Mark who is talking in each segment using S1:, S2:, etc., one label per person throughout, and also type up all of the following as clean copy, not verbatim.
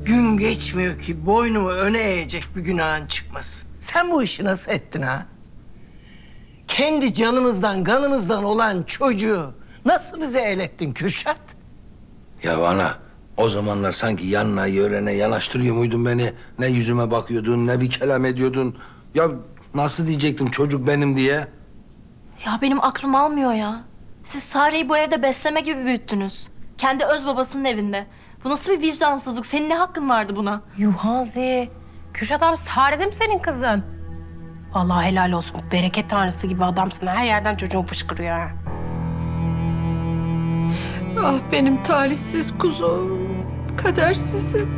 S1: Gün geçmiyor ki boynumu öne eğecek bir günahın çıkmasın. Sen bu işi nasıl ettin ha? Kendi canımızdan, kanımızdan olan çocuğu nasıl bize el ettin Kürşat?
S2: Ya ana, o zamanlar sanki yanına yörene yanaştırıyor muydun beni? Ne yüzüme bakıyordun, ne bir kelam ediyordun. Ya nasıl diyecektim çocuk benim diye?
S3: Ya benim aklım almıyor ya. Siz Sare'yi bu evde besleme gibi büyüttünüz. Kendi öz babasının evinde. Bu nasıl bir vicdansızlık? Senin ne hakkın vardı buna?
S4: Yuhazi, Kürşat abi Sare'de mi senin kızın? Vallahi helal olsun. Bereket tanrısı gibi adamsın. Her yerden çocuğun fışkırıyor ha.
S1: Ah benim talihsiz kuzum, kadersizim.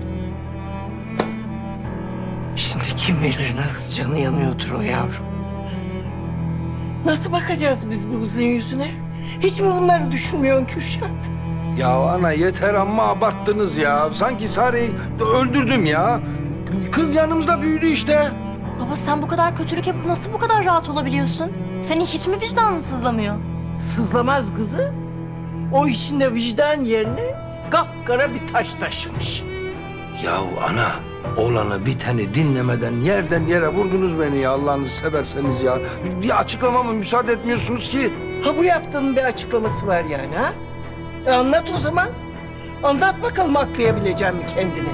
S1: Şimdi kim bilir nasıl canı yanıyordur o yavrum. Nasıl bakacağız biz bu kızın yüzüne? Hiç mi bunları düşünmüyorsun Kürşat?
S2: Ya ana yeter amma abarttınız ya. Sanki Sare'yi öldürdüm ya. Kız yanımızda büyüdü işte.
S3: Baba sen bu kadar kötülük yapıp nasıl bu kadar rahat olabiliyorsun? Senin hiç mi vicdanın sızlamıyor?
S1: Sızlamaz kızı. O içinde vicdan yerine kapkara bir taş taşımış.
S2: Ya ana, oğlanı biteni dinlemeden yerden yere vurdunuz beni ya Allah'ınızı severseniz ya. Bir açıklamama müsaade etmiyorsunuz ki.
S1: Ha bu yaptığının bir açıklaması var yani ha? Anlat o zaman. Anlat bakalım aklayabileceğim mi kendini?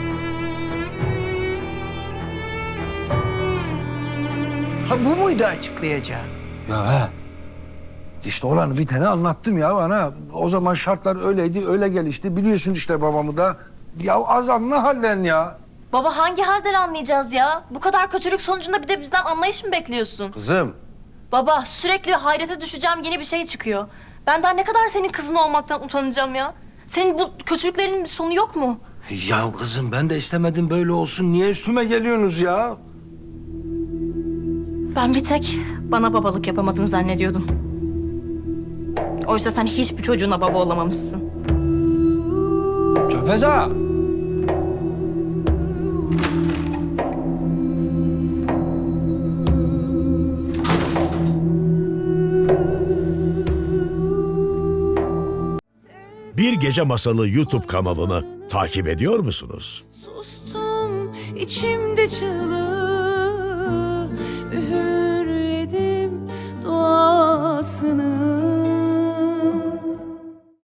S1: Ha bu muydu açıklayacağım?
S2: Ya he. İşte olanı biteni anlattım ya ana. O zaman şartlar öyleydi, öyle gelişti. Biliyorsun işte babamı da. Ya azamlı halden ya.
S3: Baba hangi halden anlayacağız ya? Bu kadar kötülük sonucunda bir de bizden anlayış mı bekliyorsun?
S2: Kızım.
S3: Baba sürekli hayrete düşeceğim yeni bir şey çıkıyor. Ben daha ne kadar senin kızın olmaktan utanacağım ya? Senin bu kötülüklerin bir sonu yok mu?
S2: Ya kızım ben de istemedim böyle olsun. Niye üstüme geliyorsunuz ya?
S3: Ben bir tek bana babalık yapamadın zannediyordum. Oysa sen hiçbir çocuğuna baba olamamışsın.
S2: Çöpeza.
S5: Bir Gece Masalı YouTube kanalını takip ediyor musunuz?
S6: Sustum içimde çığlığı, üğürledim duasını.